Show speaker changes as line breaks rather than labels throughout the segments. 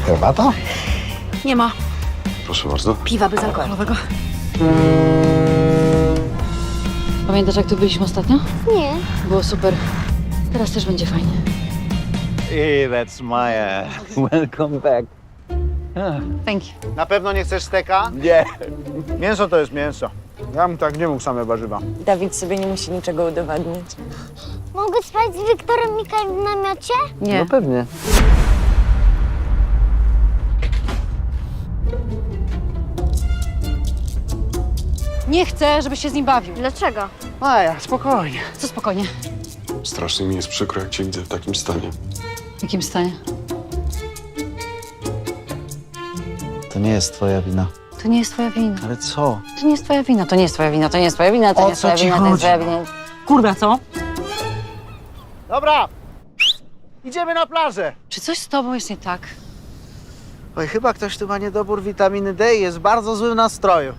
Herbata?
Nie ma
Proszę bardzo.
piwa bezalkoholowego.
Pamiętasz, jak tu byliśmy ostatnio?
Nie.
Było super. Teraz też będzie fajnie.
Hey, that's Maya. Welcome back.
Thank you.
Na pewno nie chcesz steka?
Nie.
Mięso to jest mięso. Ja bym tak nie mógł, same warzywa.
Dawid sobie nie musi niczego udowadniać.
Mogę spać z Wiktorem Mikajem w namiocie?
Nie.
No pewnie.
Nie chcę, żebyś się z nim bawił.
Dlaczego?
Maja, spokojnie.
Co spokojnie?
Strasznie mi jest przykro, jak cię widzę w takim stanie.
W jakim stanie?
To nie jest twoja wina.
To nie jest twoja wina.
Ale co?
To nie jest twoja wina, to nie jest twoja wina, to nie jest twoja wina, to
O
nie jest
co
twoja
ci
wina, to nie jest
chodzi?
twoja wina. Kurwa, co?
Dobra, idziemy na plażę.
Czy coś z tobą jest nie tak?
Oj, chyba ktoś tu ma niedobór witaminy D i jest w bardzo złym nastroju.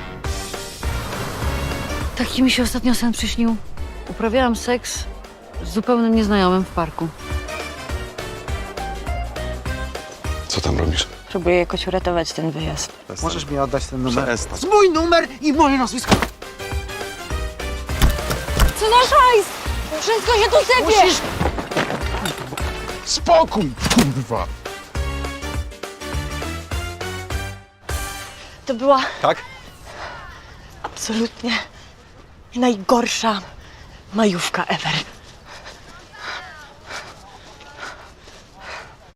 Taki mi się ostatnio sen przyśnił. Uprawiałam seks z zupełnym nieznajomym w parku.
Co tam robisz?
Próbuję jakoś uratować ten wyjazd.
Możesz mi oddać ten numer?
Przestań.
Mój numer i moje nazwisko.
Co nasz hajs? Wszystko się tu sypie!
Musisz...
Spokój, kurwa!
To była
Tak?
absolutnie najgorsza majówka ever.